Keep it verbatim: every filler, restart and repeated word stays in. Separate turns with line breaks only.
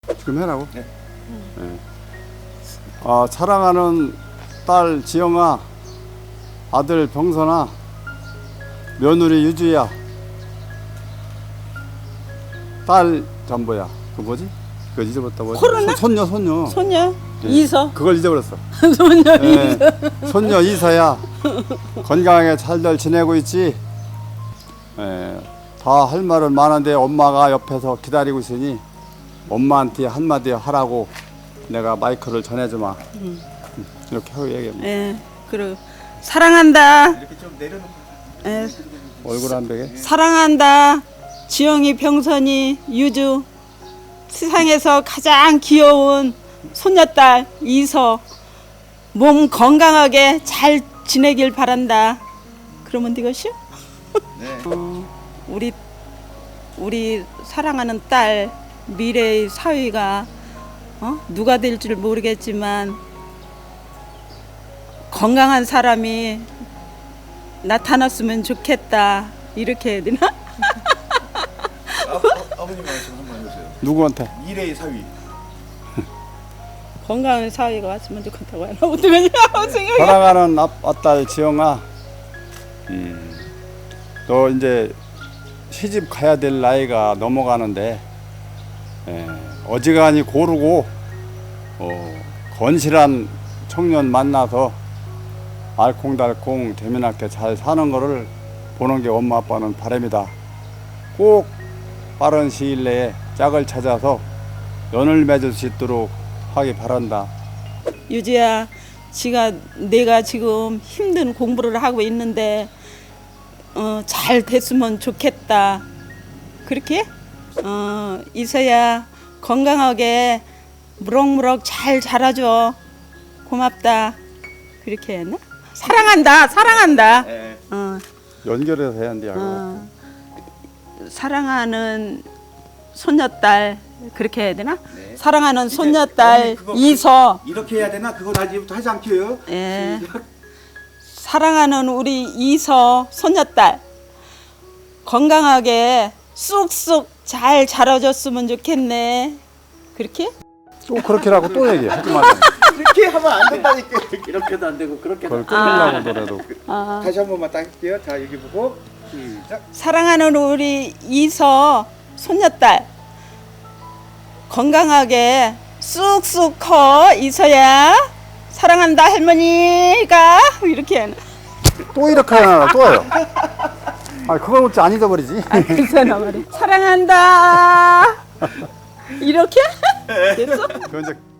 지금 해라고?
네.
네. 아, 사랑하는 딸 지영아, 아들 병선아, 며느리 유주야, 딸 전보야. 그 뭐지? 그거 잊어버렸다. 뭐지?
코로나?
손, 손녀 손녀.
손녀
예.
이서
그걸 잊어버렸어.
손녀
예.
이서
손녀 이서야. 건강하게 잘들 지내고 있지? 예. 다 할 말은 많은데 엄마가 옆에서 기다리고 있으니 엄마한테 한마디 하라고 내가 마이크를 전해주마.
음.
이렇게 하고 얘기해.
예 그리고 사랑한다.
이렇게 좀 내려놓고.
예
얼굴 안 베게.
사랑한다. 지영이 병선이 유주 세상에서 가장 귀여운 손녀딸 이서 몸 건강하게 잘 지내길 바란다. 그러면 되겠슈?
네.
어, 우리 우리 사랑하는 딸 미래의 사위가 어? 누가 될 줄 모르겠지만 건강한 사람이 나타났으면 좋겠다. 이렇게 해야 되나?
아, 아, 아버님 말씀 한번 해보세요.
누구한테?
미래의 사위.
건강한 사위가 왔으면 좋겠다고 하나 어떡하냐 생각이.
사랑하는 아, 아딸 지영아, 음, 너 이제 시집 가야 될 나이가 넘어가는데 에, 어지간히 고르고 어, 건실한 청년 만나서 알콩달콩 재미나게 잘 사는 거를 보는 게 엄마 아빠는 바람이다. 꼭 빠른 시일 내에 짝을 찾아서 연을 맺을 수 있도록 하기 바란다.
유지야, 지가 내가 지금 힘든 공부를 하고 있는데 어, 잘 됐으면 좋겠다. 그렇게? 어, 이서야 건강하게 무럭무럭 잘 자라줘. 고맙다. 그렇게 했나? 사랑한다. 사랑한다.
네.
어,
연결해서 해야 한대.
어, 사랑하는 손녀딸 그렇게 해야 되나?
네.
사랑하는
이제
손녀딸
어머니 그거
이서.
이렇게 해야 되나? 그거 나 이제부터 하지 않게요.
예. 사랑하는 우리 이서 손녀딸 건강하게 쑥쑥 잘 자라줬으면 좋겠네. 그렇게?
또 그렇게라고 또 얘기해. 하지 말고.
이렇게 하면 안 된다니까. 이렇게도 안 되고 그렇게도.
그걸 끊으려고 하더라도.
아,
다시 한 번만 딱 할게요. 자 여기 보고 시작.
사랑하는 우리 이서 손녀딸 건강하게 쑥쑥 커. 이서야 사랑한다 할머니가 이렇게 하는.
또 이렇게 하나 또요. 아, 그걸 어찌 안 잊어버리지?
아, 괜찮아 말이. 사랑한다. 이렇게? 됐어?
그건 이제